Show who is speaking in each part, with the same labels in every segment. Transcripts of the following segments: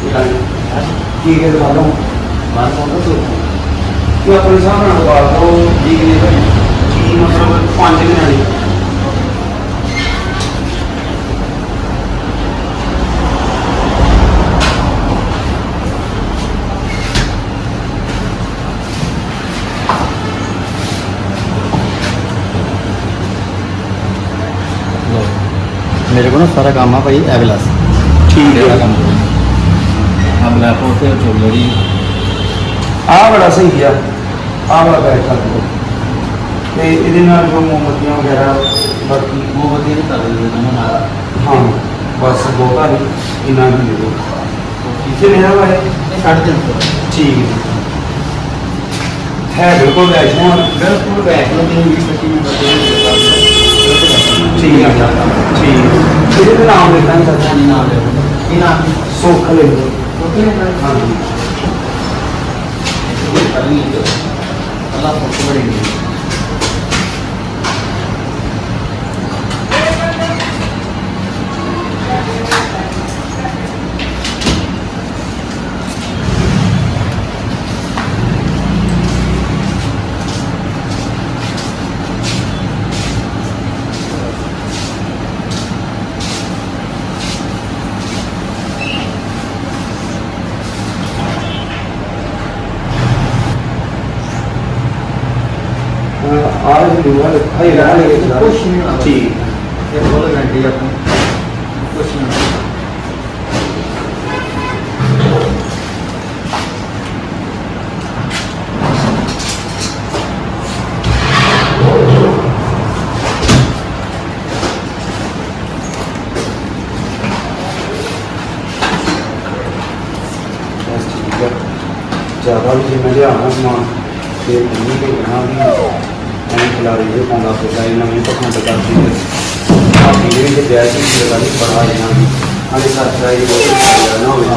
Speaker 1: ठीक है दिखा दूँ बात कौन सा तो अपने हिसाब से लगा दो ठीक नहीं भाई ठीक मतलब 5 दिन वाली
Speaker 2: मेरे को ना सारा काम है भाई एविलास
Speaker 1: ठीक है
Speaker 2: काम हम लैपो से ज्वेलरी
Speaker 1: आ बड़ा सही है आ बड़ा बैठ कर दो ते इहदे नाल जो मोमबत्तियां वगैरह बाकी
Speaker 2: मोमबत्ती नहीं कर देते ना नारा
Speaker 1: हाँ बस बहुता नहीं इन्ना ही दे दो किसे लेना भाई
Speaker 2: 350
Speaker 1: ठीक है बिल्कुल बैठ जाओ
Speaker 2: बिल्कुल बैठ लो 20-25 मिनट
Speaker 1: ठीक है ठीक है इहदे नाम लिखना है सर
Speaker 2: नाम ले ये नाम
Speaker 1: सुख ले लो
Speaker 2: ओके
Speaker 1: हाँ
Speaker 2: करनी है अल्लाह सबको बढ़ेगी
Speaker 1: आज लूँगा भाई रहा लेके
Speaker 2: कुछ नहीं होगा।
Speaker 1: ठीक
Speaker 2: ये बोल गारंटी अपनी कुछ नहीं होगा।
Speaker 1: बस ठीक है ज़्यादा भी जिम्मे लिया समान फिर नहीं तो कहना भी ਐਂ ਖਿਲਾਰੀ ਦੇ ਪਾਉਂਦਾ ਫਿਰਦਾ ਇਹਨਾਂ ਨੂੰ ਪਖੰਡ ਕਰਦੀ ਹੈ ਆਪਣੀ ਜਿਹੜੀ ਤੇ ਬੈਠ ਦੀ ਜਗ੍ਹਾ ਨਹੀਂ ਪੜਾ ਇਹਨਾਂ ਦੀ ਆਲੇ ਸਾਥ ਰਾਈ ਬਹੁਤ ਜ਼ਿਆਦਾ ਨਾ ਹੋਵੇ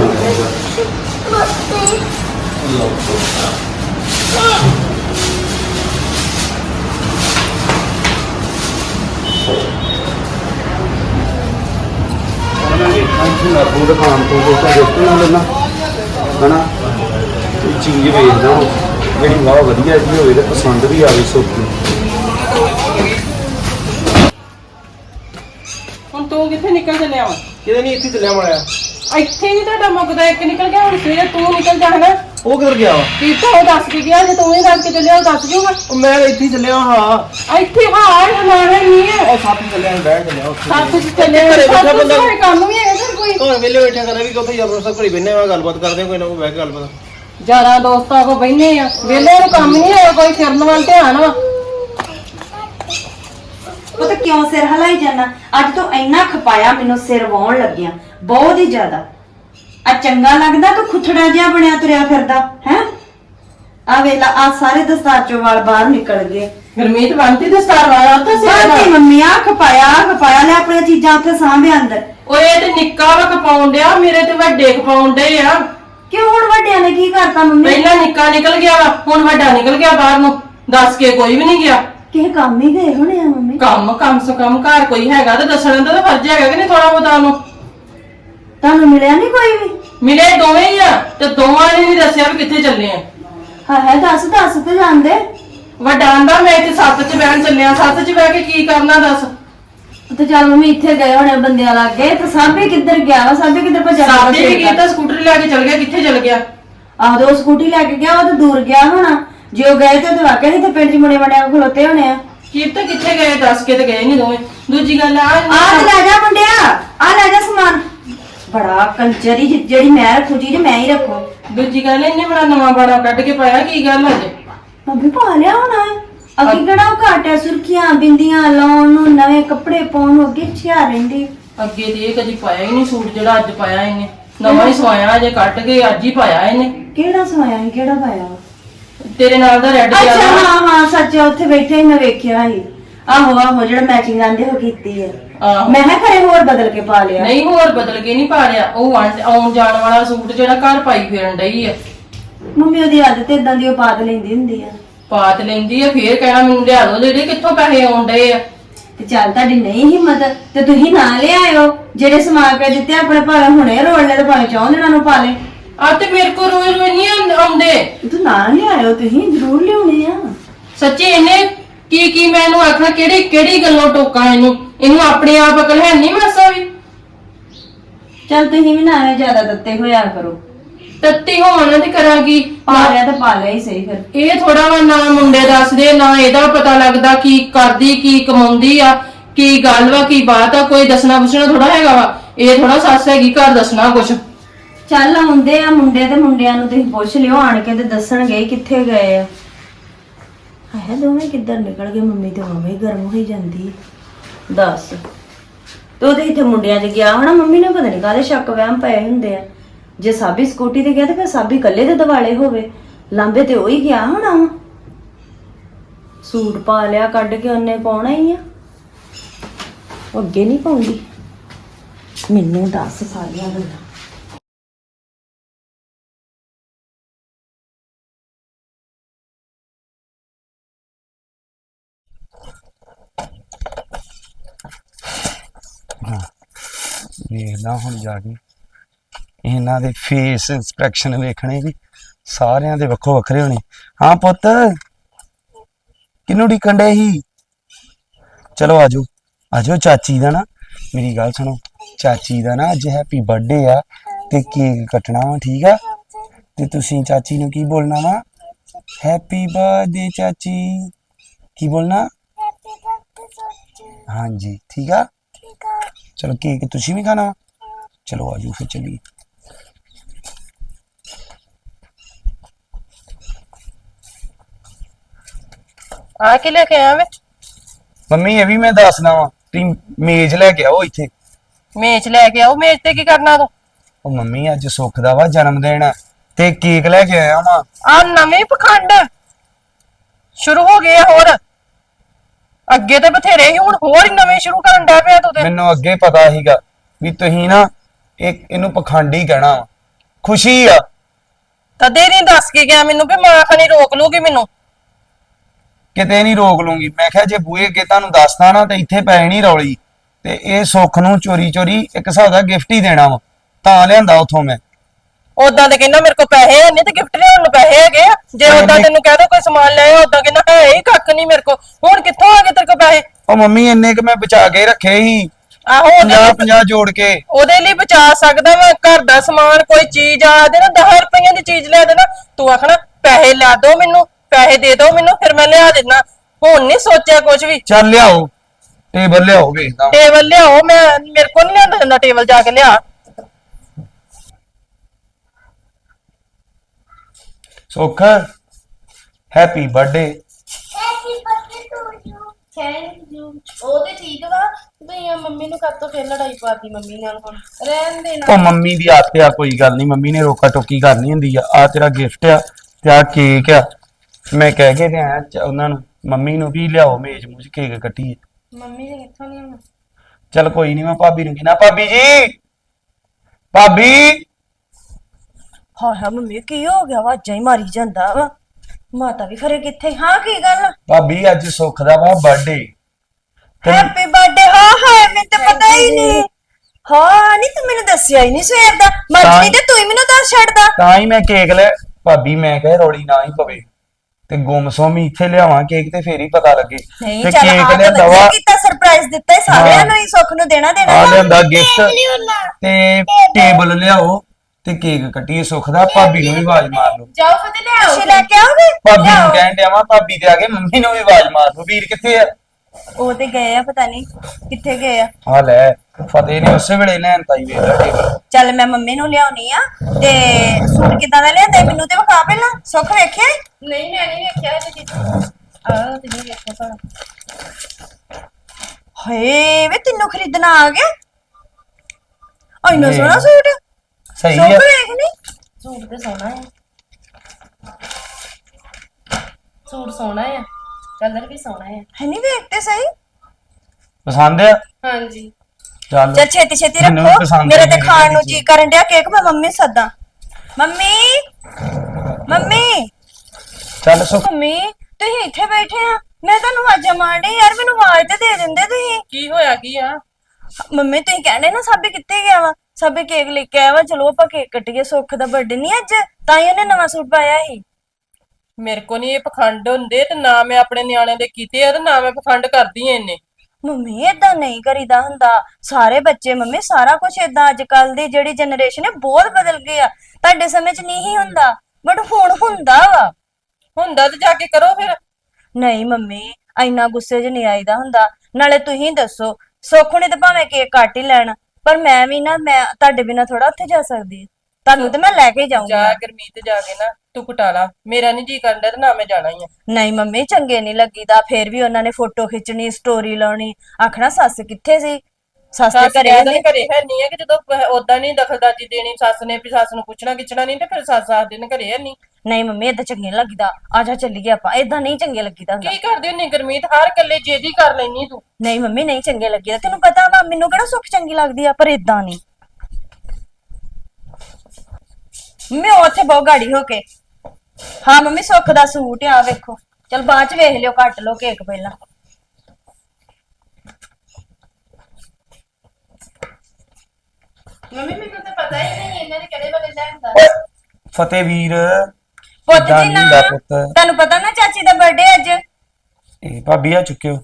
Speaker 1: ਉਹਨਾਂ ਨੇ ਖਾਣ ਤੋਂ ਦੁਕਾਨ ਤੋਂ ਕੋਈ ਗਿਫਟ ਨਾ ਲੈਣਾ ਹਨਾ ਚੀਜ਼ ਵੇਚਦਾ ਜਿਹੜੀ ਵਾਹ ਵਧੀਆ ਜੀ ਹੋਵੇ ਤੇ ਪਸੰਦ ਵੀ ਆਵੇ ਸੋਕੀ
Speaker 3: ਹੁਣ ਤੂੰ ਕਿੱਥੇ ਨਿਕਲ ਚੱਲਿਆ ਵਾ
Speaker 4: ਕਿਤੇ ਨਹੀਂ ਇੱਥੇ ਚੱਲਿਆ ਮਾਰਿਆ
Speaker 3: ਇੱਥੇ ਨਹੀਂ ਤੁਹਾਡਾ ਮੁੱਕਦਾ ਇੱਕ ਨਿਕਲ ਗਿਆ ਹੁਣ ਸਵੇਰੇ ਤੂੰ ਨਿਕਲ ਜਾਣਾ
Speaker 4: ਉਹ ਕਿੱਧਰ ਗਿਆ ਵਾ
Speaker 3: ਕੀ ਤਾਂ ਉਹ ਦੱਸ ਕੇ ਗਿਆ ਜੇ ਤੂੰ ਹੀ ਦੱਸ ਕੇ ਚੱਲਿਆ ਉਹ ਦੱਸ ਜੂਗਾ
Speaker 4: ਉਹ ਮੈਂ ਇੱਥੇ ਹੀ ਚੱਲਿਆ ਹਾਂ
Speaker 3: ਇੱਥੇ ਹਾਰ ਹਲਾਣਾ ਨਹੀਂ ਹੈ
Speaker 4: ਉਹ ਸਾਥ ਹੀ ਚੱਲਿਆ ਬੈਠ ਚੱਲਿਆ ਉੱਥੇ
Speaker 3: ਸੱਤ ਚ ਚੱਲੇ
Speaker 4: ਘਰੇ ਬੈਠਾ ਬੰਦਾ।
Speaker 3: ਕੰਮ ਵੀ ਹੈਗਾ ਫਿਰ ਕੋਈ
Speaker 4: ਹੁਣ ਵੇਲੇ ਬੈਠਿਆ ਕਰਾਂ ਵੀ ਕਿਉਂ ਯਾਰ ਸਭ ਘੜੀ ਬੈਠੇ ਆ ਗੱਲਬਾਤ ਕਰਦੇ ਆ, ਕੋਈ ਨਾ ਕੋਈ ਬਹਿ ਕੇ ਗੱਲਬਾਤ
Speaker 3: ਜ਼ਿਆਦਾ ਦੋਸਤਾਂ ਕੋ ਬੈਠੇ ਆ ਵੇਲੇ ਨੂੰ ਕੰਮ ਨਹੀਂ ਹੋਇਆ ਕੋਈ ਫਿਰਨ ਵੱਲ ਧਿਆਨ ਵਾ
Speaker 5: ਉਹ ਤਾਂ ਕਿਉਂ ਸਿਰ ਹਲਾਈ ਜਾਣਾ ਅੱਜ ਤੋਂ ਇੰਨਾ ਖਪਾਇਆ ਮੈਨੂੰ ਸਿਰ ਵਾਉਣ ਲੱਗਿਆ ਬਹੁਤ ਹੀ ਜ਼ਿਆਦਾ ਆ ਚੰਗਾ ਲੱਗਦਾ ਤੂੰ ਖੁੱਥੜਾ ਜਿਹਾ ਬਣਿਆ ਤੁਰਿਆ ਫਿਰਦਾ ਹੈ ਆ ਵੇਲਾ ਆ ਸਾਰੇ ਦਸਤਾਰ ਚੋਂ ਵਾਲ ਬਾਹਰ ਨਿਕਲ ਗਏ
Speaker 3: ਗਰਮੀਤ ਬੰਤੀ ਤੇ ਸਟਾਰ ਵਾਲਾ ਉੱਥੇ
Speaker 5: ਸਾਡੀ ਮੰਮੀ ਆ ਖਪਾਇਆ ਲੈ ਆਪਣੀਆਂ ਚੀਜ਼ਾਂ ਉੱਥੇ ਸਾਂਭੇ ਅੰਦਰ
Speaker 3: ਓਏ ਤੇ ਨਿੱਕਾ ਵਾ ਖਪਾਉਣ ਡਿਆ ਮੇਰੇ ਤੇ ਵੱਡੇ ਖਪਾਉਣ ਡੇ ਆ
Speaker 5: ਕਿਉਂ ਹੁਣ ਵੱਡਿਆਂ ਨੇ ਕੀ ਕਰਤਾ ਮੰਮੀ
Speaker 3: ਪਹਿਲਾਂ ਨਿੱਕਾ ਨਿਕਲ ਗਿਆ ਵਾ ਹੁਣ ਵੱਡਾ ਨਿਕਲ ਗਿਆ ਬਾਹਰ ਨੂੰ ਦੱਸ ਕੇ ਕੋਈ ਵੀ ਨਹੀਂ ਗਿਆ
Speaker 5: ਕਿਸੇ ਕੰਮ ਹੀ ਗਏ ਹੋਣੇ ਆ ਮੰਮੀ
Speaker 3: ਕੰਮ ਸੇ ਕੰਮ ਘਰ ਕੋਈ ਹੈਗਾ ਤੇ ਦੱਸਣ ਦਾ ਤਾਂ ਫਰਜ਼ ਹੈਗਾ ਕਿ ਨਹੀਂ ਥੋੜਾ ਬਹੁਤਾ ਉਹਨੂੰ
Speaker 5: ਤੁਹਾਨੂੰ ਮਿਲਿਆ ਨਹੀਂ ਕੋਈ ਵੀ
Speaker 3: ਮਿਲੇ ਦੋਵੇਂ ਹੀ ਆ ਤੇ ਦੋਵਾਂ ਨੇ ਨਹੀਂ ਦੱਸਿਆ ਵੀ ਕਿੱਥੇ ਚੱਲੇ ਆ
Speaker 5: ਹੈ ਦੱਸ ਤੇ ਜਾਂਦੇ
Speaker 3: ਵੱਡਾ ਆਂਦਾ ਮੈਂ ਇੱਥੇ ਸੱਤ ਚ ਬਹਿਣ ਚੱਲਿਆ ਸੱਤ ਚ ਬਹਿ ਕੇ ਕੀ ਕਰਨਾ ਦੱਸ
Speaker 5: ਤੇ ਚੱਲ ਮੰਮੀ ਇੱਥੇ ਗਏ ਹੋਣੇ ਬੰਦਿਆਂ ਲੱਗੇ ਤੇ ਸਾਬੇ ਕਿੱਧਰ ਗਿਆ ਵਾ ਸਾਬੇ ਕਿੱਧਰ ਭੱਜਿਆ
Speaker 3: ਸਾਬੇ ਵੀ ਕੀਤਾ ਸਕੂਟਰ ਲੈ ਕੇ ਚੱਲ ਗਿਆ ਕਿੱਥੇ ਚੱਲ ਗਿਆ
Speaker 5: ਆਹੋ ਉਹ ਸਕੂਟੀ ਲੈ ਕੇ ਗਿਆ ਉਹ ਤਾਂ ਦੂਰ ਗਿਆ ਹੋਣਾ ਜੇ ਉਹ ਗਏ ਤੇ ਵਾਕਿਆ ਨਹੀਂ ਤੇ ਪਿੰਡ 'ਚ ਮੁੰਡੇ ਮੜਿਆ ਖਲੋਤੇ ਹੋਣੇ ਆ
Speaker 3: ਕੀ ਤਾਂ ਕਿੱਥੇ ਗਏ ਦੱਸ ਕੇ ਤੇ ਗਏ ਨਹੀਂ ਦੋਵੇਂ ਦੂਜੀ ਗੱਲ ਆ
Speaker 5: ਤੇ ਲੈ ਜਾ ਮੁੰਡਿਆ ਆ ਲੈ ਜਾ ਸਮਾਨ ਬੜਾ ਕੰਚਰੀ ਜਿਹੜੀ ਮੈਂ ਰੱਖੂ ਜੀ ਮੈਂ ਹੀ ਰੱਖੂ
Speaker 3: ਦੂਜੀ ਗੱਲ ਇਹਨੇ ਬੜਾ ਨਵਾਂ ਬਾੜਾ ਕੱਢ ਕੇ ਪਾਇਆ ਕੀ ਗੱਲ ਅਜੇ
Speaker 5: ਮੰਮੀ ਪਾ ਲਿਆ ਹੋਣਾ ਅੱਗੇ ਕਿਹੜਾ ਉਹ ਘੱਟ ਹੈ ਸੁਰਖੀਆਂ ਬਿੰਦੀਆਂ ਲਾਉਣ ਨੂੰ ਨਵੇਂ ਕੱਪੜੇ ਪਾਉਣ ਨੂੰ ਅੱਗੇ ਛਿਆ ਰਹਿੰਦੀ
Speaker 3: ਅੱਗੇ ਤੇ ਇਹ ਕਦੀ ਪਾਇਆ ਹੀ ਨਹੀਂ ਸੂਟ ਜਿਹੜਾ ਅੱਜ ਪਾਇਆ ਇਹਨੇ ਨਵਾਂ ਹੀ ਸਵਾਇਆ ਅਜੇ ਕੱਟ ਕੇ ਅੱਜ ਹੀ ਪਾਇਆ ਇਹਨੇ
Speaker 5: ਕਿਹੜਾ ਸਵਾਇਆ ਸੀ ਕਿਹੜਾ ਪਾਇਆ
Speaker 3: ਤੇਰੇ ਨਾਲ ਦਾ ਰੈੱਡ
Speaker 5: ਅੱਛਾ
Speaker 3: ਜਿਆਦਾ
Speaker 5: ਹਾਂ ਸੱਚ ਉੱਥੇ ਬੈਠੇ ਹੀ ਮੈਂ ਵੇਖਿਆ ਸੀ ਆਹੋ ਜਿਹੜਾ ਮੈਚਿੰਗ ਆਂਦੇ ਹੋ ਕੀਤੀ ਹੈ
Speaker 3: ਆਹੋ।
Speaker 5: ਮੈਂ ਕਿਹਾ ਘਰੇ ਹੋਰ ਬਦਲ ਕੇ ਪਾ ਲਿਆ
Speaker 3: ਨਹੀਂ ਹੋਰ ਬਦਲ ਕੇ ਨਹੀਂ ਪਾ ਲਿਆ ਉਹ ਆਉਣ ਜਾਣ ਵਾਲਾ ਸੂਟ ਜਿਹੜਾ ਘਰ ਪਾਈ ਫਿਰਨ ਡਈ ਆ
Speaker 5: ਮੰਮੀ ਉਹਦੀ ਆਦਤ ਇਦਾਂ ਦੀ ਉਹ ਪਾਦ ਲੈਂਦੀ ਹੁੰਦੀ ਆ
Speaker 3: ਪਾਤ ਲੈਂਦੀ ਆ ਫੇਰ ਕਹਿਣਾ ਮੈਨੂੰ ਲਿਆ ਦੋ ਜਿਹੜੇ ਕਿੱਥੋਂ ਪੈਸੇ ਆਉਣ ਡਏ ਆ
Speaker 5: ਤੇ ਚੱਲ ਤੁਹਾਡੀ ਨਹੀਂ ਹਿੰਮਤ ਤੇ ਤੁਸੀਂ ਨਾ ਲਿਆਇਓ, ਜਿਹੜੇ ਸਮਾ ਕੇ ਦਿੱਤੇ ਆਪਣੇ ਭਾਵੇਂ ਹੁਣੇ ਰੋੜ ਲੈ ਤੇ ਭਾਵੇਂ 4 ਦਿਨਾਂ ਨੂੰ ਪਾ ਲੈ।
Speaker 3: ਆ ਤੇ ਮੇਰੇ ਕੋਲ ਰੋਜ਼ ਰੋਜ਼ ਨਹੀਂ ਆਉਂਦੇ।
Speaker 5: ਤੂੰ ਨਾ ਲਿਆਇਓ, ਤੁਸੀਂ ਜ਼ਰੂਰ ਲਿਆਉਣੇ ਆ।
Speaker 3: ਸੱਚੀ ਇਹਨੇ ਕੀ ਮੈਨੂੰ ਆਖਣਾ, ਕਿਹੜੀ ਗੱਲੋਂ ਟੋਕਾਂ ਇਹਨੂੰ ਆਪਣੇ ਆਪ ਅਕਲ ਹੈ ਨਹੀਂ ਮਾਸਾ ਵੀ।
Speaker 5: ਚੱਲ ਤੁਸੀਂ ਵੀ ਨਾ ਐਵੇਂ ਜ਼ਿਆਦਾ ਦਿੱਤੇ ਹੋਇਆ ਕਰੋ।
Speaker 3: ਤੱਤੀ ਹੋਣ ਤੇ ਕਰਾਂਗੀ।
Speaker 5: ਪਾ ਲਿਆ ਤਾਂ ਪਾ ਲਿਆ ਹੀ ਸਹੀ ਫਿਰ।
Speaker 3: ਇਹ ਥੋੜਾ ਵਾ, ਨਾ ਮੁੰਡੇ ਦੱਸਦੇ ਨਾ ਇਹਦਾ ਪਤਾ ਲੱਗਦਾ ਕੀ ਕਰਦੀ ਕੀ ਕਮਾਉਂਦੀ ਆ, ਕੀ ਗੱਲ ਵਾ ਕੀ ਬਾਤ ਆ, ਕੋਈ ਦੱਸਣਾ ਪੁੱਛਣਾ ਥੋੜਾ ਹੈਗਾ ਵਾ। ਇਹ ਥੋੜਾ ਸੱਸ ਹੈਗੀ ਘਰ ਦੱਸਣਾ ਕੁਛ।
Speaker 5: ਚੱਲ ਆਉਂਦੇ ਆ ਮੁੰਡੇ ਤੇ ਮੁੰਡਿਆਂ ਨੂੰ ਤੁਸੀਂ ਪੁੱਛ ਲਿਓ ਆਣ ਕੇ ਤੇ ਦੱਸਣਗੇ ਕਿੱਥੇ ਗਏ ਆ। ਹੈ ਦੋਵੇਂ ਕਿੱਧਰ ਨਿਕਲ ਗਏ? ਮੰਮੀ ਤੇ ਉਵੇਂ ਹੀ ਗਰਮ ਹੋਈ ਜਾਂਦੀ। ਦੱਸ ਤੇ ਉਹਦੇ ਇੱਥੇ ਮੁੰਡਿਆਂ 'ਚ ਗਿਆ ਹੋਣਾ, ਮੰਮੀ ਨੇ ਪਤਾ ਨਹੀਂ ਕਾਹਦੇ ਸ਼ੱਕ ਵਹਿਮ ਪਏ ਹੁੰਦੇ ਆ। ਜੇ ਸਾਬੀ ਸਕੂਟੀ ਤੇ ਗਿਆ ਤੇ ਫਿਰ ਸਾਬੀ ਇਕੱਲੇ ਦੇ ਦਿਵਾਲੇ ਹੋਵੇ, ਲਾਂਬੇ ਤੇ ਉਹੀ ਗਿਆ ਹੋਣਾ ਵਾ। ਸੂਟ ਪਾ ਲਿਆ ਕੱਢ ਕੇ, ਉਹਨੇ ਪਾਉਣਾ ਹੀ ਆ, ਉਹ ਅੱਗੇ ਨਹੀਂ ਪਾਉਂਦੀ। ਮੈਨੂੰ ਦੱਸ ਸਾਰੀਆਂ ਗੱਲਾਂ।
Speaker 1: ਵੇਖਦਾ ਹੁਣ ਜਾ ਕੇ ਇਹਨਾਂ ਦੇ ਫੇਸ ਐਕਸਪ੍ਰੈਸ਼ਨ ਵੇਖਣੇ ਵੀ ਸਾਰਿਆਂ ਦੇ ਵੱਖੋ ਵੱਖਰੇ ਹੋਣੇ। ਹਾਂ ਪੁੱਤ, ਕਿਹਨੂੰ ਢੀਕਣ ਡੇ ਸੀ? ਚਲੋ ਆਜੋ ਆਜੋ। ਚਾਚੀ ਦਾ ਨਾ, ਮੇਰੀ ਗੱਲ ਸੁਣੋ, ਚਾਚੀ ਦਾ ਨਾ ਅੱਜ ਹੈਪੀ ਬਰਥਡੇ ਆ ਤੇ ਕੇਕ ਕੱਟਣਾ ਵਾ, ਠੀਕ ਆ? ਤੇ ਤੁਸੀਂ ਚਾਚੀ ਨੂੰ ਕੀ ਬੋਲਣਾ ਵਾ? ਹੈਪੀ ਬਰਥਡੇ ਚਾਚੀ। ਕੀ ਬੋਲਣਾ? ਹਾਂਜੀ ਠੀਕ ਆ। ਚਲੋ केक तुसी भी खाना? चलो आजो फिर चलिए।
Speaker 3: आके लेके आया वे
Speaker 1: मम्मी ये भी मैं दसना वा, तुम मेज लेके आओ इथे।
Speaker 3: मेज लेके आओ, मेज ते की करना तो?
Speaker 1: ओ मम्मी अज सुख दा वा जन्मदिन ते केक लेके आया वा।
Speaker 3: आ नवे पखंड शुरू हो गए होर, ਅੱਗੇ ਤੇ ਬਥੇਰੇ ਹੀ, ਹੁਣ ਹੋਰ ਹੀ ਨਵੇਂ ਸ਼ੁਰੂ ਕਰਨ ਡਿਆ ਪਿਆ ਤੂੰ ਤੇ।
Speaker 1: ਮੈਨੂੰ ਅੱਗੇ ਪਤਾ ਸੀਗਾ ਵੀ ਤੁਸੀਂ ਨਾ ਇਹਨੂੰ ਪਖੰਡੀ ਕਹਿਣਾ ਵਾ। ਖੁਸ਼ੀ ਆ
Speaker 3: ਤਦੇ ਨਹੀਂ ਦੱਸ ਕੇ ਗਿਆ ਮੈਨੂੰ ਵੀ ਮਾਂ ਖਣੀ ਰੋਕ ਲੂਗੀ ਮੈਨੂੰ।
Speaker 1: ਕਿਤੇ ਨਹੀਂ ਰੋਕ ਲੂੰਗੀ। ਮੈਂ ਕਿਹਾ ਜੇ ਬੂਏ ਅੱਗੇ ਤੁਹਾਨੂੰ ਦੱਸਦਾ ਨਾ ਤੇ ਇੱਥੇ ਪੈ ਨਹੀਂ ਰੌਲੀ। ਤੇ ਇਹ ਸੁੱਖ ਨੂੰ ਚੋਰੀ ਚੋਰੀ ਇੱਕ ਹਿਸਾਬ ਦਾ ਗਿਫਟ ਹੀ ਦੇਣਾ ਵਾ, ਤਾਂ ਲਿਆਂਦਾ ਉਥੋਂ ਮੈਂ।
Speaker 3: ਉਦਾਂ ਤੇ ਕਹਿੰਦਾ ਮੇਰੇ ਕੋਲ ਪੈਸੇ ਨਹੀਂ ਤੇ ਗਿਫਟ ਲਿਆਉਣ ਨੂੰ ਪੈਸੇ ਹੈਗੇ ਆ। ਜੇ ਉਦਾਂ ਤੈਨੂੰ ਕਹਿ ਦੋ ਕੋਈ ਸਮਾਨ ਲੈ ਆ, ਉਦਾਂ ਕਹਿੰਦਾ ਹੈ ਹੀ ਕੱਖ ਨਹੀਂ ਮੇਰੇ ਕੋਲ। ਹੁਣ ਕਿੱਥੋਂ ਆ ਗਏ ਤੇਰੇ ਕੋਲ ਪੈਸੇ?
Speaker 1: ਉਹ ਮੰਮੀ ਇੰਨੇ ਕਿ ਮੈਂ ਬਚਾ ਕੇ ਰੱਖੇ ਸੀ,
Speaker 3: ਆਹੋ
Speaker 1: 50 ਜੋੜ ਕੇ।
Speaker 3: ਉਹਦੇ ਲਈ ਬਚਾ ਸਕਦਾ ਮੈਂ। ਘਰ ਦਾ ਸਮਾਨ ਕੋਈ ਚੀਜ਼ ਆ ਦੇ ਨਾ, 10 ਰੁਪਈਆਂ ਦੀ ਚੀਜ਼ ਲੈ ਦੇਣਾ, ਤੂੰ ਆਖਣਾ ਪੈਸੇ ਲਾ ਦੋ ਮੈਨੂੰ, ਪੈਸੇ ਦੇ ਦੋ ਮੈਨੂੰ, ਫਿਰ ਮੈਂ ਲਿਆ ਦੇਣਾ। ਹੁਣ ਨਹੀਂ ਸੋਚਿਆ ਕੁਝ ਵੀ।
Speaker 1: ਚੱਲ ਲਿਆਓ, ਟੇਬਲ ਲਿਆਓ, ਵੇਖਦਾ
Speaker 3: ਟੇਬਲ ਲਿਆਓ। ਮੈਂ ਮੇਰੇ ਕੋਲ ਨਹੀਂ ਲਿਆਂਦਾ ਜਾਂਦਾ ਟੇਬਲ, ਜਾ ਕੇ ਲਿਆ।
Speaker 1: ਸੁੱਖ ਹੈਪੀ ਬਰਥਡੇ।
Speaker 6: Thank you. ਉਹ ਤੇ ਠੀਕ ਵਾ, ਤੁਸੀਂ ਮੰਮੀ ਨੂੰ ਕਦ ਤੋਂ ਫੇਰ ਲੜਾਈ ਪਾਤੀ ਮੰਮੀ ਨਾਲ? ਹੁਣ ਰਹਿਣ ਦੇਣਾ।
Speaker 1: ਉਹ ਮੰਮੀ ਦੀ ਆਦਤ ਆ, ਕੋਈ ਗੱਲ ਨਹੀਂ। ਮੰਮੀ ਨੇ ਰੋਕਾ ਟੋਕੀ ਕਰਨੀ ਹੁੰਦੀ ਆ। ਆ ਤੇਰਾ ਗਿਫਟ ਆ ਤੇ ਆ ਕੇਕ ਆ। ਮੈਂ ਕਹਿ ਕੇ ਤੇ ਆਇਆ ਉਹਨਾਂ ਨੂੰ, ਮੰਮੀ ਨੂੰ ਵੀ ਲਿਆਓ ਮੇਜ਼ ਮੂਝ ਕੇਕ ਕੱਟੀਏ।
Speaker 6: ਮੰਮੀ ਨੇ ਕਿੱਥੋਂ ਨਹੀਂ ਆਉਣਾ?
Speaker 1: ਚੱਲ ਕੋਈ ਨਹੀਂ, ਮੈਂ ਭਾਬੀ ਨੂੰ ਕਹਿਣਾ, ਭਾਬੀ ਜੀ, ਭਾਬੀ।
Speaker 5: ਹਾਂ ਹਾਂ ਮੰਮੀ ਕੀ ਹੋ ਗਿਆ? ਵਾਜਾਂ ਹੀ ਮਾਰੀ ਜਾਂਦਾ ਵਾ। ਮਾਤਾ ਵੀ ਖਰੇ ਕਿੱਥੇ? ਹਾਂ ਕੀ ਗੱਲ?
Speaker 1: ਭਾਬੀ ਅੱਜ ਸੁੱਖ ਦਾ ਵਾ ਬਰਥਡੇ।
Speaker 5: Happy birthday. ਹਾਂ ਹਾਂ ਮੈਨੂੰ ਤਾਂ ਪਤਾ ਹੀ ਨਹੀਂ। ਹਾਂ ਨਹੀਂ ਤੂੰ ਮੈਨੂੰ ਦੱਸਿਆ ਹੀ ਨਹੀਂ ਸਵੇਰ ਦਾ। ਮਰਜ਼ੀ ਤੇ ਤੂੰ ਹੀ ਮੈਨੂੰ ਦੱਸ ਛੱਡਦਾ।
Speaker 1: ਤਾਂ ਹੀ ਮੈਂ ਕੇਕ ਲੈ ਭਾਬੀ, ਮੈਂ ਕਹੇ ਰੋਲੀ ਨਾ ਹੀ ਪਵੇ ਤੇ ਗੁੰਮਸੋਮੀ ਇੱਥੇ ਲਿਆਵਾਂ ਕੇਕ ਤੇ ਫੇਰ ਹੀ ਪਤਾ ਲੱਗੇ।
Speaker 5: ਨਹੀਂ
Speaker 1: ਤੇ
Speaker 5: ਚੱਲ
Speaker 1: ਕੇਕ
Speaker 5: ਆ
Speaker 1: ਲਿਆਂਦਾ ਵਾ,
Speaker 5: ਕੀਤਾ ਸਰਪ੍ਰਾਈਜ਼ ਦਿੱਤਾ ਹੀ ਸਾਰਿਆਂ ਨੂੰ ਹੀ, ਸੁੱਖ ਨੂੰ ਦੇਣਾ
Speaker 1: ਆ ਲਿਆਂਦਾ ਗਿਫਟ ਤੇ ਟੇਬਲ ਲਿਆਓ ਤੇ ਕੇਕ ਕੱਟੀਏ ਸੁੱਖ ਦਾ। ਭਾਬੀ ਨੂੰ ਵੀ ਆਵਾਜ਼ ਮਾਰ ਲਓ।
Speaker 6: ਜਾਓ ਫਤਿਹ ਲੈ ਆਓ।
Speaker 5: ਤੁਸੀਂ ਲੈ ਕੇ ਆਓਗੇ?
Speaker 1: ਭਾਬੀ ਨੂੰ ਕਹਿਣ ਡਿਆ ਵਾਂ, ਭਾਬੀ ਤੇ ਆ ਕੇ ਮੰਮੀ ਨੂੰ ਵੀ ਆਵਾਜ਼ ਮਾਰ ਲਓ। ਵੀਰ ਕਿੱਥੇ ਆ?
Speaker 5: ਉਹ ਤੇ ਗਏ ਆ, ਪਤਾ ਨਹੀਂ ਕਿੱਥੇ ਗਏ ਆ।
Speaker 1: ਆ ਲੈ, ਫਤਿਹ ਨੇ ਉਸੇ ਵੇਲੇ ਲੈਣ ਤਾਈ ਵੇਲਾ ਟੇਬਲ।
Speaker 5: ਚੱਲ ਮੈਂ ਮੰਮੀ ਨੂੰ ਲਿਆਉਣੀ ਆ। ਤੇ ਸੂਟ ਕਿਦਾਂ ਦਾ ਲਿਆਂਦਾ ਮੈਨੂੰ ਤੇ ਵਿਖਾ ਪਹਿਲਾਂ। ਸੁੱਖ ਵੇਖਿਆ?
Speaker 6: ਨਹੀਂ ਮੈਂ ਨਹੀਂ ਵੇਖਿਆ ਤੇ ਆਹ ਤੇ ਨਹੀਂ ਵੇਖਿਆ ਸਾਰਾ।
Speaker 5: ਹਏ ਵੇ ਤੈਨੂੰ ਖਰੀਦਣਾ ਆ ਗਿਆ? ਇੰਨਾ ਸੋਹਣਾ ਸੂਟ।
Speaker 1: ਸਹੀ
Speaker 5: ਸੁੱਖ
Speaker 1: ਆ।
Speaker 5: ਵੇਖ ਨੀ।
Speaker 6: ਸੂਟ ਤੇ ਸੋਹਣਾ ਹੈ, ਸੂਟ ਸੋਹਣਾ ਹੈ, ਕਲਰ ਵੀ ਸੋਹਣਾ ਹੈ।
Speaker 5: ਹੈ ਨਹੀਂ ਵੇਖ ਤੇ ਸਹੀ।
Speaker 1: ਪਸੰਦ ਆ?
Speaker 6: ਹਾਂਜੀ
Speaker 1: ਚੱਲ
Speaker 5: ਚੱਲ ਛੇਤੀ ਛੇਤੀ
Speaker 1: ਮੈਨੂੰ ਵੀ
Speaker 5: ਰੱਖੋ,
Speaker 1: ਪਸੰਦ
Speaker 5: ਮੇਰੇ
Speaker 1: ਹੈ
Speaker 5: ਤੇ
Speaker 1: ਮੇਰੀ
Speaker 5: ਖਾਣ ਨੂੰ
Speaker 1: ਚੀਜ਼।
Speaker 5: ਜੀ ਕਰਨ ਡਿਆ ਕੇਕ। ਮੈਂ ਮੰਮੀ ਸੱਦਾਂ। ਮੰਮੀ ਮੰਮੀ
Speaker 1: ਚੱਲ ਸੁੱਖ।
Speaker 5: ਮੰਮੀ ਤੁਸੀਂ ਇੱਥੇ ਬੈਠੇ ਆ? ਮੈਂ ਤੁਹਾਨੂੰ ਆਵਾਜ਼ਾਂ ਮਾਰਨੀ ਯਾਰ, ਮੈਨੂੰ ਆਵਾਜ਼ ਤੇ ਦੇ ਦਿੰਦੇ ਤੁਸੀਂ।
Speaker 3: ਕੀ ਹੋਇਆ ਕੀ ਆ?
Speaker 5: ਮੰਮੀ ਤੁਸੀਂ ਕਹਿੰਦੇ ਨਾ ਸਾਬੀ ਕਿੱਥੇ ਗਿਆ ਵਾ, ਸਾਬੀ ਕੇਕ ਲੈ ਕੇ ਆਇਆ ਵਾ, ਚਲੋ ਆਪਾਂ ਕੇਕ ਕੱਟੀਏ। ਸੁੱਖ ਦਾ ਬਰਥਡੇ ਨਹੀਂ ਅੱਜ, ਤਾਂ ਹੀ ਉਹਨੇ ਨਵਾਂ ਸੂਟ ਪਾਇਆ ਸੀ।
Speaker 3: ਮੇਰੇ ਕੋ ਨਹੀਂ ਇਹ ਪਖੰਡ ਹੁੰਦੇ, ਤੇ ਨਾ ਮੈਂ ਆਪਣੇ ਨਿਆਣਿਆਂ ਦੇ ਕੀਤੇ ਆ, ਤੇ ਨਾ ਮੈਂ ਪਖੰਡ ਕਰਦੀ ਐ ਇੰਨੇ।
Speaker 5: ਮੰਮੀ ਏਦਾਂ ਨਹੀਂ ਕਰੀਦਾ ਹੁੰਦਾ। ਸਾਰੇ ਬੱਚੇ ਮੰਮੀ ਸਾਰਾ ਕੁਝ ਏਦਾਂ, ਅੱਜ ਕੱਲ ਦੀ ਜਿਹੜੀ ਜਨਰੇਸ਼ਨ ਹੈ ਬਹੁਤ ਬਦਲ ਗਈ ਆ। ਤੁਹਾਡੇ ਸਮੇਂ 'ਚ ਨਹੀਂ ਸੀ ਹੁੰਦਾ, ਬਟ ਹੁਣ ਹੁੰਦਾ ਵਾ।
Speaker 3: ਹੁੰਦਾ ਤੇ ਜਾ ਕੇ ਕਰੋ ਫਿਰ।
Speaker 5: ਨਹੀਂ ਮੰਮੀ, ਇੰਨਾ ਗੁੱਸੇ 'ਚ ਨਹੀਂ ਆਈਦਾ ਹੁੰਦਾ। ਨਾਲੇ ਤੁਸੀਂ ਦੱਸੋ, ਸੁੱਖ ਨੇ ਤਾਂ ਭਾਵੇਂ ਕੇਕ ਕੱਟ ਹੀ ਲੈਣਾ, ਪਰ ਮੈਂ ਵੀ ਨਾ, ਮੈਂ ਤੁਹਾਡੇ ਬਿਨਾ ਥੋੜਾ ਉੱਥੇ ਜਾ ਸਕਦੀ। ਤੁਹਾਨੂੰ ਤੇ ਮੈਂ ਲੈ ਕੇ ਜਾਊਂਗੀ।
Speaker 3: ਜਾ ਗੁਰਮੀਤ ਜਾ ਕੇ ਨਾ ਤੂੰ ਕਟਾ ਲਾ, ਮੇਰਾ ਨਹੀਂ ਜੀ ਕਰਦਾ ਤੇ ਨਾ ਮੈਂ ਜਾਣਾ ਹੀ ਆ।
Speaker 5: ਨਹੀਂ ਮੰਮੀ, ਚੰਗੇ ਨਹੀਂ ਲੱਗੀਦਾ। ਫੇਰ ਵੀ ਉਹਨਾਂ ਨੇ ਫੋਟੋ ਖਿੱਚਣੀ, ਸਟੋਰੀ ਲਾਉਣੀ, ਆਖਣਾ ਸੱਸ ਕਿੱਥੇ ਸੀ, ਸੱਸ ਤੇ ਘਰੇ
Speaker 3: ਘਰੇ
Speaker 5: ਨਹੀਂ।
Speaker 3: ਘਰੇ ਹੈ ਨਹੀਂ ਹੈ ਕਿ ਜਦੋਂ ਓਦਾਂ ਨਹੀਂ ਦਖਲਅੰਦਾਜ਼ੀ ਦੇਣੀ ਸੱਸ ਨੇ, ਵੀ ਸੱਸ ਨੂੰ ਪੁੱਛਣਾ ਗਿੱਛਣਾ ਨਹੀਂ, ਤੇ ਫਿਰ ਸੱਸ ਆਖ ਦੇਣ ਘਰੇ ਹੈ ਨਹੀਂ।
Speaker 5: ਨਹੀਂ ਮੰਮੀ, ਏਦਾਂ ਚੰਗੇ ਨੀ ਲੱਗੀਦਾ। ਆ ਜਾ ਚੱਲੀਏ ਆਪਾਂ, ਏਦਾਂ ਨਹੀਂ ਚੰਗੇ ਲੱਗੀਦਾ ਹੁੰਦਾ।
Speaker 3: ਕੀ ਕਰਦੀ ਹੁੰਨੀ ਗੁਰਮੀਤ, ਹਰ ਕੱਲੇ ਜੇਦੀ ਕਰ ਲੈਣੀ ਤੂੰ।
Speaker 5: ਨਹੀਂ ਮੰਮੀ, ਨਹੀਂ ਚੰਗੇ ਲੱਗੀਦਾ। ਤੈਨੂੰ ਪਤਾ ਵਾ ਮੈਨੂੰ ਕਿਹੜਾ ਸੁੱਖ ਚੰਗੀ ਲੱਗਦੀ ਆ, ਪਰ ਏਦਾਂ ਨਹੀਂ। ਮੰਮੀ ਉੱਥੇ ਬਹੁਤ ਗਾੜੀ ਹੋ ਕੇ। ਹਾਂ ਮੰਮੀ, ਸੁੱਖ ਦਾ ਸੂਟ ਆ, ਵੇਖੋ। ਚਲ ਬਾਅਦ ਚ ਵੇਖ ਲਿਓ, ਕੱਟ ਲਓ ਕੇਕ ਪਹਿਲਾਂ।
Speaker 6: ਮੰਮੀ ਮੈਨੂੰ ਤਾਂ ਪਤਾ ਹੀ ਨਹੀਂ ਇਹਨਾਂ ਨੇ ਕਿਹੜੇ ਵਾਲੇ ਲੈਂਦਾ।
Speaker 7: ਫਤਿਹ ਵੀਰ
Speaker 5: ਪੁੱਤ
Speaker 7: ਏਦਾਂ
Speaker 5: ਜੀ
Speaker 7: ਨੀ
Speaker 5: ਨਾ,
Speaker 7: ਹੁੰਦਾ ਪੁੱਤ।
Speaker 5: ਤੁਹਾਨੂੰ ਪਤਾ ਨਾ ਚਾਚੀ ਦਾ ਬਰਥਡੇ ਅੱਜ।
Speaker 7: ਇਹ ਭਾਬੀ ਆ ਚੁੱਕਿਓ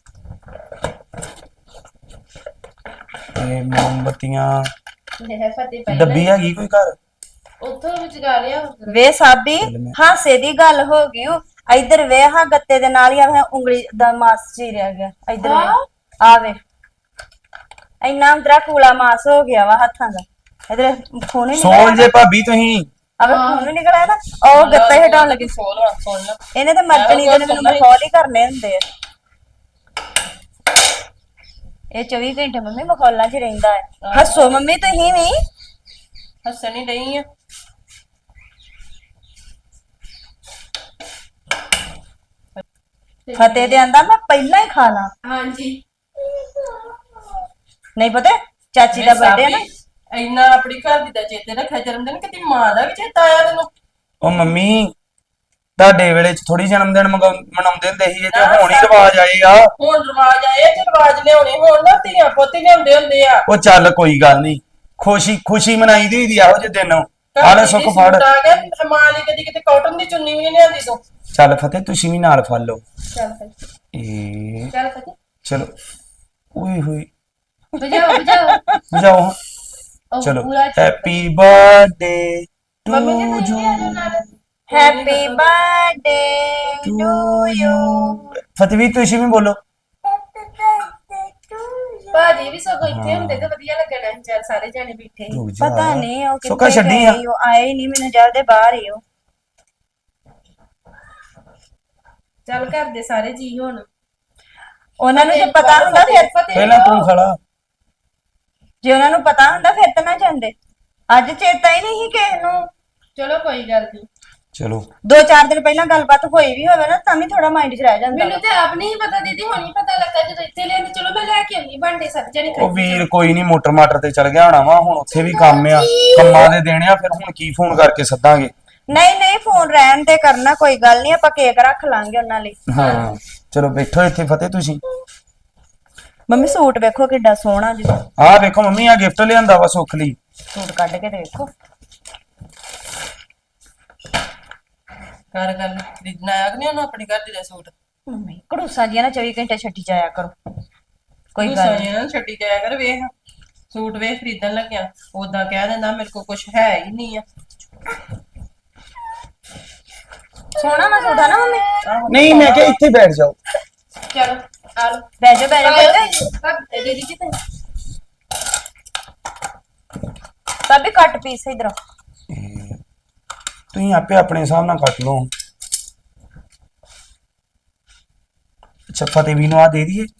Speaker 7: ਇਹ ਮੋਮਬਤੀਆਂ
Speaker 6: ਲੈ ਫਤਿਹ ਪਹਿਲਾਂ
Speaker 7: ਡੱਬੀ ਹੈਗੀ ਕੋਈ ਘਰ?
Speaker 6: ਉੱਥੋਂ ਵਿਚਗਾ ਲਿਆ ਉੱਧਰ।
Speaker 5: ਵੇ ਸਾਬੀ, ਹਾਸੇ ਦੀ ਗੱਲ ਹੋ ਗਈ ਓ। ਇੱਧਰ ਵੇ, ਹਾਂ ਗੱਤੇ ਦੇ ਨਾਲ ਹੀ ਆ ਉਂਗਲੀ ਦਾ ਮਾਸ ਚੀਰਿਆ ਗਿਆ। ਇੱਧਰ ਵੇ, ਆ ਵੇ, ਇੰਨਾ ਅੰਦਰਾ ਕੂਲਾ ਮਾਸ ਹੋ ਗਿਆ ਵਾ ਹੱਥਾਂ ਦਾ। ਇਧਰ ਖੂਨ ਹੀ
Speaker 7: ਸੋਲ
Speaker 5: ਨਿਕਲਿਆ।
Speaker 7: ਜੇ ਭਾਬੀ ਤੁਸੀਂ।
Speaker 5: ਅਬੇ ਖੂਨ ਹੀ ਨਿਕਲਿਆ ਨਾ, ਉਹ ਗੱਤਾ ਹੀ ਹਟਾਉਣ ਲੱਗੀ।
Speaker 3: ਸੁਣ ਲਾ
Speaker 5: ਇਹਨੇ ਤੇ ਮਰਜਣੀ ਦੇ ਨੇ ਮੈਨੂੰ ਮਖੌਲ ਹੀ ਕਰਨੇ ਹੁੰਦੇ ਆ। ਇਹ 24 ਘੰਟੇ ਮੰਮੀ ਮਖੌਲਾਂ 'ਚ ਰਹਿੰਦਾ ਹੈ। ਹੱਸੋ ਮੰਮੀ ਤੁਸੀਂ ਵੀ।
Speaker 3: ਹੱਸਣ ਹੀ ਡਈ ਆ।
Speaker 5: ਫਤਿਹ ਦੇ ਆਂਦਾ ਮੈਂ ਪਹਿਲਾਂ ਹੀ ਖਾ ਲਾਂ।
Speaker 6: ਹਾਂਜੀ
Speaker 5: ਨਹੀਂ ਪਤਾ ਚਾਚੀ ਦਾ ਬਰਥਡੇ ਹੈ ਨਾ।
Speaker 3: ਇੰਨਾ ਆਪਣੀ ਘਰ ਦੀ ਦਾ ਚੇਤੇ ਰੱਖਿਆ, ਜਨਮ ਦਿਨ ਕਿਤੇ ਮਾਂ ਦਾ ਵੀ ਚੇਤਾ ਆਇਆ ਤੈਨੂੰ।
Speaker 7: ਉਹ ਮੰਮੀ ਤੁਹਾਡੇ ਵੇਲੇ ਚ ਥੋੜੀ ਜਨਮ ਦਿਨ ਮਨਾਉਂਦੇ ਹੁੰਦੇ ਸੀ, ਇਹ ਤੇ ਹੁਣ ਹੀ ਰਿਵਾਜ ਆਏ ਆ।
Speaker 3: ਹੁਣ ਰਿਵਾਜ ਆਏ ਤੇ ਰਿਵਾਜ ਲਿਆਉਣੇ ਹੁਣ ਨਾ, ਧੀਆਂ ਪੁੱਤ ਹੀ ਲਿਆਉਂਦੇ ਹੁੰਦੇ ਆ।
Speaker 7: ਉਹ ਚੱਲ ਕੋਈ ਗੱਲ ਨਹੀਂ, ਖੁਸ਼ੀ ਮਨਾਈ ਦੀ ਹੁੰਦੀ ਆ ਇਹੋ ਜਿਹੇ ਦਿਨ। ਆਲੇ ਸੁੱਖ ਫੜ।
Speaker 3: ਆ ਗਿਆ ਮਾਂ ਲਈ ਕਦੀ ਕਿਤੇ ਕਾਟਨ ਦੀ ਚੁੰਨੀ ਵੀ ਨਹੀਂ ਲਿਆਂਦੀ ਤੂੰ।
Speaker 7: ਚੱਲ ਫਤਿਹ ਤੁਸੀਂ ਵੀ ਨਾਲ ਫੜ ਲਓ।
Speaker 6: ਚੱਲ ਫਤਿਹ,
Speaker 7: ਇਹ
Speaker 6: ਚੱਲ ਫਤਿਹ,
Speaker 7: ਚਲੋ ਓਏ ਹੋਏ
Speaker 6: ਬਜਾਓ
Speaker 7: ਜਾਓ।
Speaker 6: ਉਹ
Speaker 7: ਚਲੋ
Speaker 6: ਪੂਰਾ
Speaker 7: ਹੈਪੀ ਬਰਥਡੇ
Speaker 6: ਮੰਮੀ
Speaker 7: ਟੂ
Speaker 6: ਨੇ
Speaker 7: ਯੂ।
Speaker 6: ਤਾਂ ਇਹ ਨਾਲ
Speaker 5: ਹੈਪੀ ਬਰਥਡੇ ਟੂ ਯੂ।
Speaker 7: ਫਤਿਹ ਵੀ ਤੁਸੀਂ ਵੀ ਬੋਲੋ।
Speaker 6: ਭਾਜੀ ਵੀ ਸਗੋਂ ਇੱਥੇ ਹੁੰਦੇ ਤਾਂ ਵਧੀਆ ਲੱਗਣਾ ਸੀ, ਚੱਲ ਸਾਰੇ ਜਾਣੇ ਬੈਠੇ ਸੀ।
Speaker 7: ਰੁਕ ਜਾ।
Speaker 5: ਪਤਾ ਨਹੀਂ ਉਹ
Speaker 7: ਸੁੱਕਾ
Speaker 5: ਕਿੱਥੇ
Speaker 7: ਛੱਡੀ ਆ।
Speaker 5: ਗਏ, ਉਹ ਆਏ ਹੀ ਨਹੀਂ, ਮੈਨੂੰ ਜਲਦੇ ਬਾਹਰ ਹੀ ਉਹ।
Speaker 6: ਚੱਲ ਘਰ ਦੇ ਸਾਰੇ ਜੀ ਹੁਣ।
Speaker 5: ਉਹਨਾਂ ਨੂੰ ਜੇ ਪਤਾ ਹੁੰਦਾ ਫਿਰ,
Speaker 7: ਪਹਿਲਾਂ ਤੂੰ ਖੜਾ।
Speaker 5: ਜੇ ਉਹਨਾਂ ਨੂੰ ਪਤਾ ਹੁੰਦਾ ਫਿਰ ਤਾਂ ਨਾ ਜਾਂਦੇ। ਅੱਜ ਚੇਤਾ ਹੀ ਨਹੀਂ ਸੀ ਕਿਸੇ ਨੂੰ।
Speaker 6: ਚਲੋ ਕੋਈ ਗੱਲ ਨਹੀਂ।
Speaker 7: ਚਲੋ
Speaker 5: 2-4 ਦਿਨ ਪਹਿਲਾਂ ਗੱਲਬਾਤ ਹੋਈ ਵੀ ਹੋਵੇ ਨਾ, ਤਾਂ ਵੀ ਥੋੜਾ ਮਾਈਂਡ 'ਚ ਰਹਿ ਜਾਂਦਾ।
Speaker 6: ਮੈਨੂੰ ਤੇ ਆਪ ਨਹੀਂ ਪਤਾ ਦੀਦੀ, ਹੁਣ ਹੀ ਪਤਾ ਲੱਗਾ ਜਦੋਂ ਇੱਥੇ ਲੈਂਦੇ। ਚਲੋ ਮੈਂ ਲੈ ਕੇ ਆਉਂਦੀ ਭਾਂਡੇ ਸਾਰੇ ਜਾਣੇ
Speaker 7: ਉਹ ਵੀਰ ਕੋਈ ਨਹੀਂ, ਮੋਟਰ ਮਾਟਰ ਤੇ ਚਲ ਗਿਆ ਹੋਣਾ ਵਾ, ਹੁਣ ਉੱਥੇ ਵੀ ਕੰਮ ਆ, ਕੰਮਾਂ ਦੇ ਦੇਣੇ ਆ, ਫਿਰ ਹੁਣ ਕੀ ਫੋਨ ਕਰਕੇ ਸੱਦਾਂਗੇ।
Speaker 5: ਨਹੀਂ ਫੋਨ ਰਹਿਣ ਤੇ ਕਰਨਾ, ਕੋਈ ਗੱਲ ਨਹੀਂ, ਆਪਾਂ ਕੇਕ ਰੱਖ ਲਾਂਗੇ ਉਹਨਾਂ ਲਈ।
Speaker 7: ਹਾਂ ਚਲੋ ਬੈਠੋ ਇੱਥੇ ਫਤਿਹ ਤੁਸੀਂ।
Speaker 5: ਮੰਮੀ ਸੂਟ ਵੇਖੋ ਕਿੱਡਾ ਸੋਹਣਾ ਜੀ।
Speaker 7: ਆਹ ਵੇਖੋ ਮੰਮੀ, ਆ ਗਿਫਟ ਲਿਆਂਦਾ ਵਾ ਸੁੱਖ ਲਈ।
Speaker 5: ਸੂਟ ਕੱਢ ਕੇ ਤੇ ਵੇਖੋ।
Speaker 3: ਕਰ ਗੱਲ ਖਰੀਦਣਾ ਆਇਆ ਕਿ ਨਹੀਂ ਉਹਨੂੰ ਆਪਣੀ ਘਰ ਦੀ ਦਾ ਸੂਟ।
Speaker 5: ਮੰਮੀ ਘੜੂਸਾਂ ਜੀਆਂ ਨਾ 24 ਘੰਟੇ ਛੱਡੀ ਜਾਇਆ ਕਰੋ, ਕੋਈ ਗੱਲ ਨੀ।
Speaker 3: ਨਾ ਛੱਡੀ ਜਾਇਆ ਕਰ। ਵੇਖ ਸੂਟ ਵੇਖ ਖਰੀਦਣ ਲੱਗਿਆ ਉਦਾਂ ਕਹਿ ਦਿੰਦਾ ਮੇਰੇ ਕੋਲ ਕੁਝ ਹੈ ਹੀ ਨਹੀਂ ਆ।
Speaker 5: ਸੋਹਣਾ ਨਾ ਸੂਟ ਆ ਨਾ ਮੰਮੀ।
Speaker 7: ਨਹੀਂ ਮੈਂ ਕਿਹਾ ਇੱਥੇ ਬੈਠ ਜਾਓ।
Speaker 6: ਚਲੋ ਆ ਲਓ।
Speaker 5: ਬਹਿ ਜਾ ਪੁੱਤ।
Speaker 6: ਦੀਦੀ ਜੀ ਤੇ
Speaker 5: ਸਾਬੀ ਕੱਟ ਪੀਸ ਇਧਰੋਂ।
Speaker 7: ਤੁਸੀਂ ਆਪੇ ਆਪਣੇ ਹਿਸਾਬ ਨਾਲ ਕੱਟ ਲਓ। ਅੱਛਾ ਫਤਿਹ ਵੀ ਨੂੰ ਆ ਦੇ ਦਈਏ।